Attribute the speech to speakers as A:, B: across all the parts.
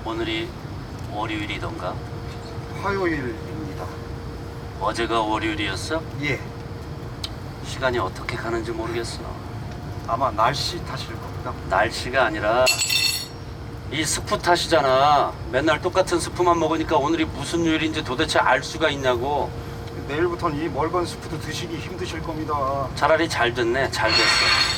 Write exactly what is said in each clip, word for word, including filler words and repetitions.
A: 오늘이 월요일이던가?
B: 화요일입니다.
A: 어제가 월요일이었어?
B: 예,
A: 시간이 어떻게 가는지 모르겠어.
B: 아마 날씨 탓일 겁니다.
A: 날씨가 아니라 이 스프 탓이잖아. 맨날 똑같은 스프만 먹으니까 오늘이 무슨 요일인지 도대체 알 수가 있냐고.
B: 내일부터는 이 멀건 스프도 드시기 힘드실 겁니다.
A: 차라리 잘 됐네. 잘 됐어.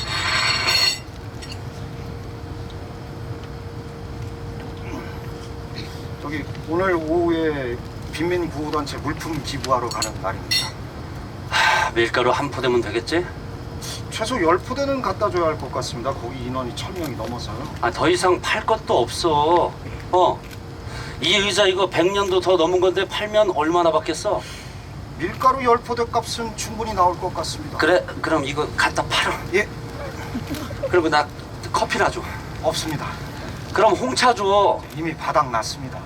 B: 저기 오늘 오후에 빈민구호단체 물품 기부하러 가는 날입니다.
A: 하, 밀가루 한 포대면 되겠지?
B: 최소 열 포대는 갖다 줘야 할 것 같습니다. 거기 인원이 천 명이 넘어서요.
A: 아, 더 이상 팔 것도 없어. 어. 이 의자 이거 백 년도 더 넘은 건데 팔면 얼마나 받겠어?
B: 밀가루 열 포대 값은 충분히 나올 것 같습니다.
A: 그래, 그럼 이거 갖다 팔어.
B: 예,
A: 그리고 나 커피나 줘.
B: 없습니다.
A: 그럼 홍차 줘.
B: 이미 바닥 났습니다.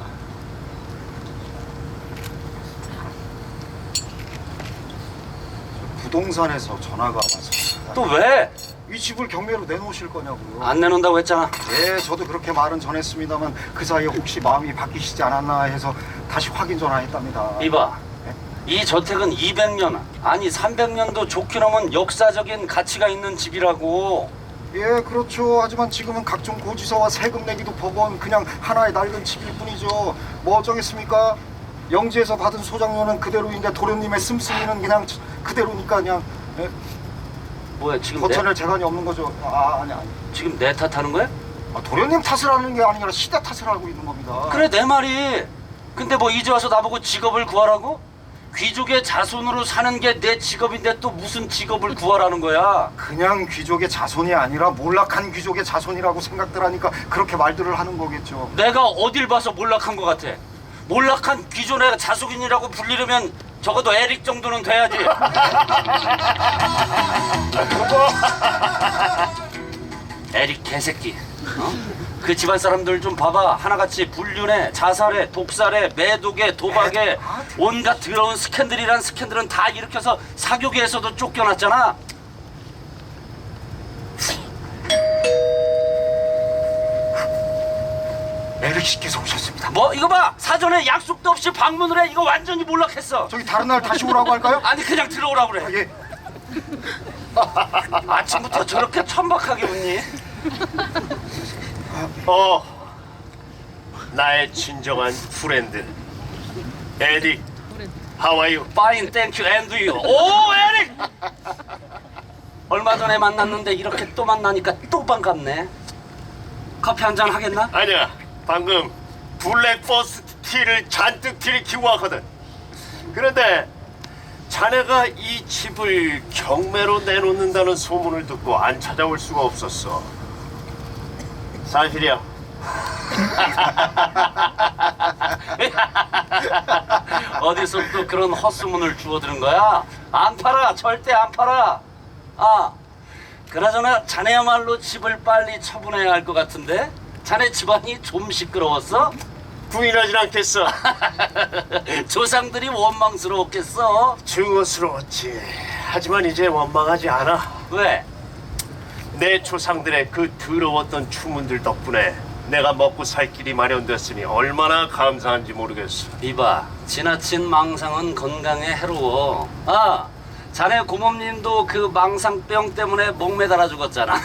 B: 부동산에서 전화가 왔습니다.
A: 또 왜?
B: 이 집을 경매로 내놓으실 거냐고요.
A: 안 내놓는다고 했잖아.
B: 예, 저도 그렇게 말은 전했습니다만 그 사이에 혹시 마음이 바뀌시지 않았나 해서 다시 확인 전화했답니다.
A: 이봐.
B: 예?
A: 이 저택은 이백 년, 아니 삼백 년도 좋게 넘은 역사적인 가치가 있는 집이라고.
B: 예, 그렇죠. 하지만 지금은 각종 고지서와 세금 내기도 버거운 그냥 하나의 낡은 집일 뿐이죠. 뭐 어쩌겠습니까? 영지에서 받은 소장료는 그대로인데 도련님의 씀씀이는 그냥 그대로니까 그냥 예?
A: 뭐야, 지금
B: 거천할 재간이 없는 거죠. 아, 아니 아니.
A: 내, 지금 내 탓하는 거야?
B: 아, 도련님 탓을 하는 게 아니라 시대 탓을 하고 있는 겁니다.
A: 그래, 내 말이. 근데 뭐 이제 와서 나보고 직업을 구하라고? 귀족의 자손으로 사는 게 내 직업인데 또 무슨 직업을 구하라는 거야?
B: 그냥 귀족의 자손이 아니라 몰락한 귀족의 자손이라고 생각들 하니까 그렇게 말들을 하는 거겠죠.
A: 내가 어딜 봐서 몰락한 것 같아? 몰락한 귀족의 자손이라고 불리려면 적어도 에릭 정도는 돼야지. 에릭 개새끼. 어? 그 집안 사람들 좀 봐봐. 하나같이 불륜에, 자살에, 독살에, 매독에, 도박에 온갖 더러운 스캔들이란 스캔들은 다 일으켜서 사교계에서도 쫓겨났잖아.
B: 에릭 씨께서 오셨습니다.
A: 뭐 이거 봐. 사전에 약속도 없이 방문을 해. 이거 완전히 몰락했어.
B: 저기 다른 날 다시 오라고 할까요?
A: 아니 그냥 들어오라고 그래.
B: 아, 예.
A: 아침부터 저렇게 천박하게 웃니?
C: 어, 나의 진정한 프렌드 에릭. How are you?
A: Fine, thank you, and you. 오, 에릭! 얼마 전에 만났는데 이렇게 또 만나니까 또 반갑네. 커피 한 잔 하겠나?
C: 아니야, 방금 블랙버스 티를 잔뜩 들이키고 왔거든. 그런데 자네가 이 집을 경매로 내놓는다는 소문을 듣고 안 찾아올 수가 없었어. 사실이야.
A: 어디서 또 그런 헛소문을 주워들은 거야? 안 팔아, 절대 안 팔아. 아, 그나저나 자네야말로 집을 빨리 처분해야 할 것 같은데? 자네 집안이 좀 시끄러웠어?
C: 부인하진 않겠어.
A: 조상들이 원망스러웠겠어?
C: 증오스러웠지. 하지만 이제 원망하지 않아.
A: 왜?
C: 내 조상들의 그 더러웠던 추문들 덕분에 내가 먹고 살 길이 마련됐으니 얼마나 감사한지 모르겠어.
A: 이봐, 지나친 망상은 건강에 해로워. 아, 자네 고모님도 그 망상병 때문에 목매달아 죽었잖아.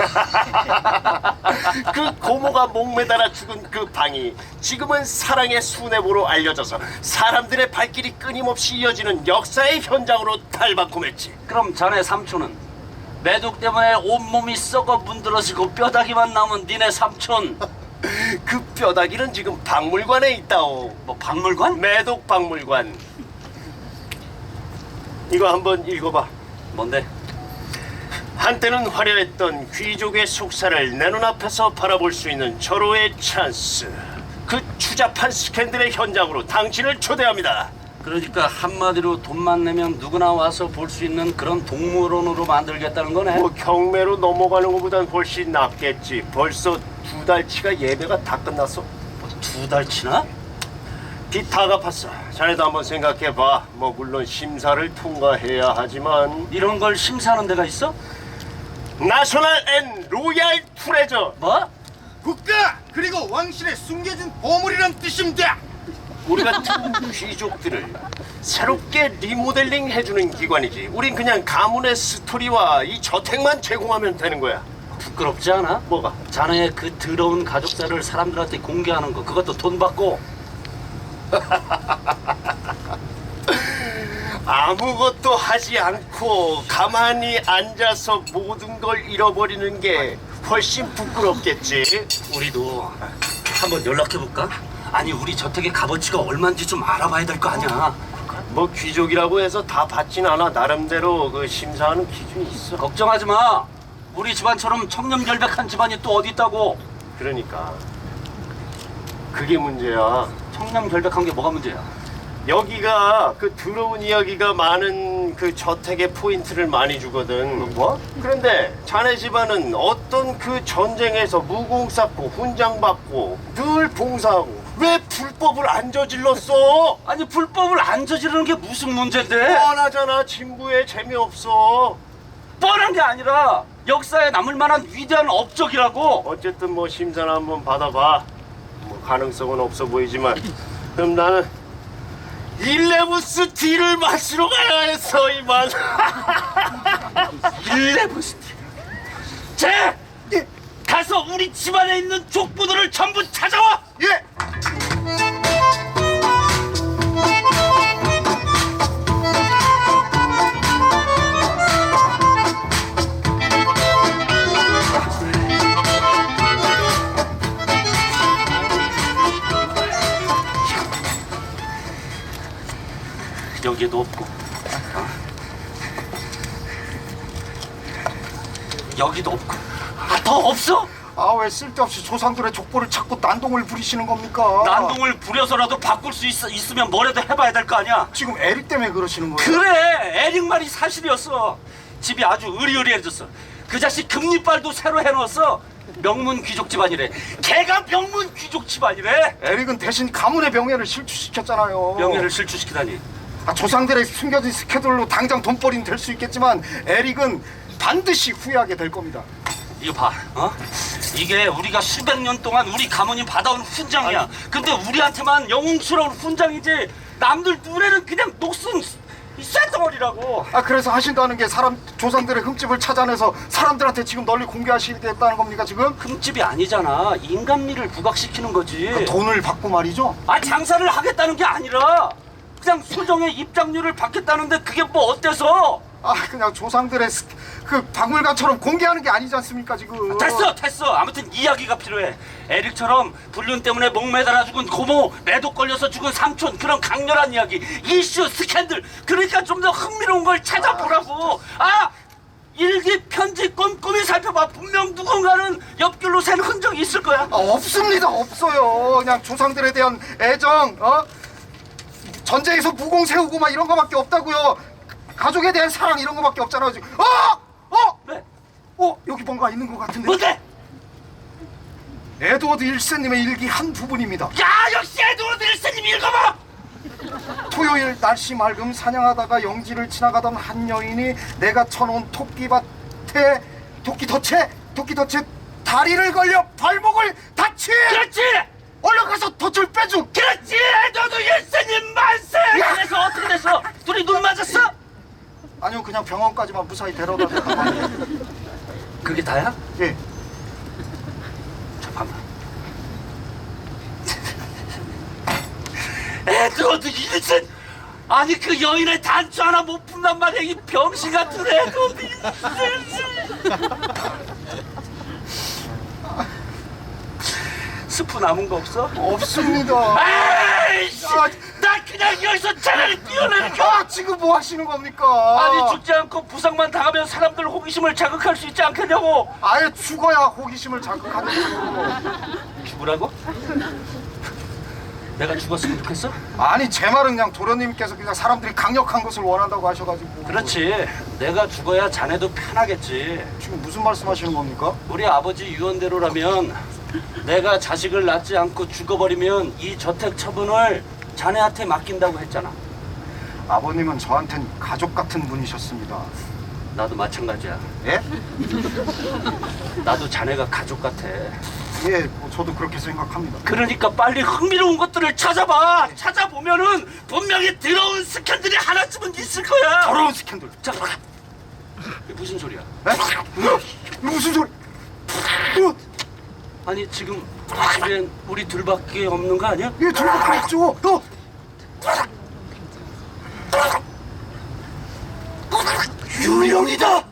C: 그 고모가 목매달아 죽은 그 방이 지금은 사랑의 수뇌부로 알려져서 사람들의 발길이 끊임없이 이어지는 역사의 현장으로 탈바꿈했지.
A: 그럼 자네 삼촌은? 매독 때문에 온몸이 썩어 문드러지고 뼈다귀만 남은 니네 삼촌.
C: 그 뼈다귀는 지금 박물관에 있다오.
A: 뭐 박물관?
C: 매독 박물관. 이거 한번 읽어봐.
A: 뭔데?
C: 한때는 화려했던 귀족의 속사를 내 눈앞에서 바라볼 수 있는 절호의 찬스. 그 추잡한 스캔들의 현장으로 당신을 초대합니다.
A: 그러니까 한마디로 돈만 내면 누구나 와서 볼 수 있는 그런 동물원으로 만들겠다는 거네.
C: 뭐 경매로 넘어가는 것보단 훨씬 낫겠지. 벌써 두 달치가 예매가 다 끝났어.
A: 두 달치나?
C: 빚 다 갚았어. 자네도 한번 생각해봐. 뭐 물론 심사를 통과해야 하지만
A: 이런 걸 심사하는 데가 있어?
C: 나셔널 앤 로얄 트레저.
A: 뭐?
D: 국가 그리고 왕실에 숨겨진 보물이란 뜻입니다.
C: 우리 같은 귀족들을 새롭게 리모델링 해주는 기관이지. 우린 그냥 가문의 스토리와 이 저택만 제공하면 되는 거야.
A: 부끄럽지 않아?
C: 뭐가?
A: 자네의 그 더러운 가족사를 사람들한테 공개하는 거, 그것도 돈 받고.
C: 아무것도 하지 않고 가만히 앉아서 모든 걸 잃어버리는 게 훨씬 부끄럽겠지.
A: 우리도 한번 연락해볼까? 아니, 우리 저택의 값어치가 얼마인지 좀 알아봐야 될 거 아니야.
C: 뭐 귀족이라고 해서 다 받진 않아. 나름대로 그 심사하는 기준이 있어.
A: 걱정하지 마. 우리 집안처럼 청렴결백한 집안이 또 어디 있다고.
C: 그러니까 그게 문제야.
A: 청렴결백한 게 뭐가 문제야?
C: 여기가 그 더러운 이야기가 많은 그 저택의 포인트를 많이 주거든. 뭐? 그런데 자네 집안은 어떤 그 전쟁에서 무공 쌓고 훈장 받고 늘 봉사하고 왜 불법을 안 저질렀어?
A: 아니, 불법을 안 저지르는 게 무슨 문제인데?
C: 뻔하잖아. 진부에 재미없어.
A: 뻔한 게 아니라 역사에 남을 만한 위대한 업적이라고.
C: 어쨌든 뭐 심사를 한번 받아봐. 뭐 가능성은 없어 보이지만 그럼 나는 일레부스 티를 마시러 가야 했어 이만.
A: 일레브스티. 자,
B: 예.
A: 가서 우리 집안에 있는 족보들을 전부 찾아와.
B: 예.
A: 여기에도 없고, 어? 여기도 없고. 아, 더 없어?
B: 아, 왜 쓸데없이 조상들의 족보를 찾고 난동을 부리시는 겁니까?
A: 난동을 부려서라도 바꿀 수 있, 있으면 뭐라도 해봐야 될 거 아니야.
B: 지금 에릭 때문에 그러시는 거예요?
A: 그래, 에릭 말이 사실이었어. 집이 아주 으리으리해졌어. 그 자식 금리빨도 새로 해놓았어. 명문 귀족 집안이래. 걔가 명문 귀족 집안이래.
B: 에릭은 대신 가문의 명예를 실추시켰잖아요.
A: 명예를 실추시키다니.
B: 아, 조상들의 숨겨진 스케줄로 당장 돈벌이는 될 수 있겠지만 에릭은 반드시 후회하게 될 겁니다.
A: 이거 봐, 어? 이게 우리가 수백 년 동안 우리 가문이 받아온 훈장이야.
C: 아니.
A: 근데 우리한테만 영웅스러운 훈장이지 남들 눈에는 그냥 녹슨 이 쇳덩어리라고.
B: 아, 그래서 하신다는 게 사람 조상들의 흠집을 찾아내서 사람들한테 지금 널리 공개하시겠다는 겁니까 지금?
A: 흠집이 아니잖아. 인간미를 부각시키는 거지.
B: 그 돈을 받고 말이죠?
A: 아, 장사를 하겠다는 게 아니라 그냥 소정의 입장료를 받겠다는데 그게 뭐 어때서?
B: 아, 그냥 조상들의 스, 그 박물관처럼 공개하는 게 아니지 않습니까 지금?
A: 됐어 됐어. 아무튼 이야기가 필요해. 에릭처럼 불륜 때문에 목매달아 죽은 고모, 매독 걸려서 죽은 삼촌, 그런 강렬한 이야기, 이슈, 스캔들. 그러니까 좀 더 흥미로운 걸 찾아보라고. 아, 일기 편지 꼼꼼히 살펴봐. 분명 누군가는 옆길로 샌 흔적이 있을 거야.
B: 아, 없습니다. 없어요. 그냥 조상들에 대한 애정, 어? 전쟁에서 무공 세우고 막 이런 거밖에 없다고요. 가족에 대한 사랑 이런 거밖에 없잖아요 지금. 어! 어!
A: 왜?
B: 어? 여기 뭔가 있는 것 같은데.
A: 뭔데?
B: 에드워드 일 세님의 일기 한 부분입니다.
A: 야, 역시 에드워드 일 세님 읽어봐.
B: 토요일 날씨 맑음 사냥하다가 영지를 지나가던 한 여인이 내가 쳐놓은 토끼밭에 토끼덫에 토끼덫에 다리를 걸려 발목을 다치.
A: 그렇지.
B: 얼른 가서 덫을 빼줘.
A: 그렇지. 에드워드 일 세님 만세. 그래서 어떻게 됐어? 둘이 눈 맞았어?
B: 아니요, 그냥 병원까지만 무사히 데려다 줬다.
A: 그게 다야?
B: 예.
A: 잠깐만. 에드워드 일 세님. 아니, 그 여인의 단추 하나 못 푼단 말이야. 이 병신 같은 에드워드 일 세님. 스프 남은 거 없어?
B: 없습니다.
A: 에이씨!
B: 아,
A: 나 그냥 여기서 차라리 뛰어내니까.
B: 아, 지금 뭐 하시는 겁니까?
A: 아니, 죽지 않고 부상만 당하면 사람들 호기심을 자극할 수 있지 않겠냐고.
B: 아예 죽어야 호기심을 자극하는 거고.
A: 죽으라고? 내가 죽었으면 좋겠어?
B: 아니, 제 말은 그냥 도련님께서 그냥 사람들이 강력한 것을 원한다고 하셔가지고.
A: 그렇지. 내가 죽어야 자네도 편하겠지.
B: 지금 무슨 말씀하시는 겁니까?
A: 우리 아버지 유언대로라면 내가 자식을 낳지 않고 죽어버리면 이 저택 처분을 자네한테 맡긴다고 했잖아.
B: 아버님은 저한텐 가족 같은 분이셨습니다.
A: 나도 마찬가지야.
B: 예?
A: 나도 자네가 가족 같아.
B: 예, 뭐 저도 그렇게 생각합니다.
A: 그러니까 빨리 흥미로운 것들을 찾아봐. 찾아보면은 분명히 더러운 스캔들이 하나쯤은 있을 거야.
B: 더러운 스캔들.
A: 자, 이게 무슨 소리야?
B: 에? 무슨 소리? 어,
A: 아니 지금 집엔 우리 둘밖에 없는 거 아니야?
B: 예, 둘밖에 없죠. 어? 유령이다.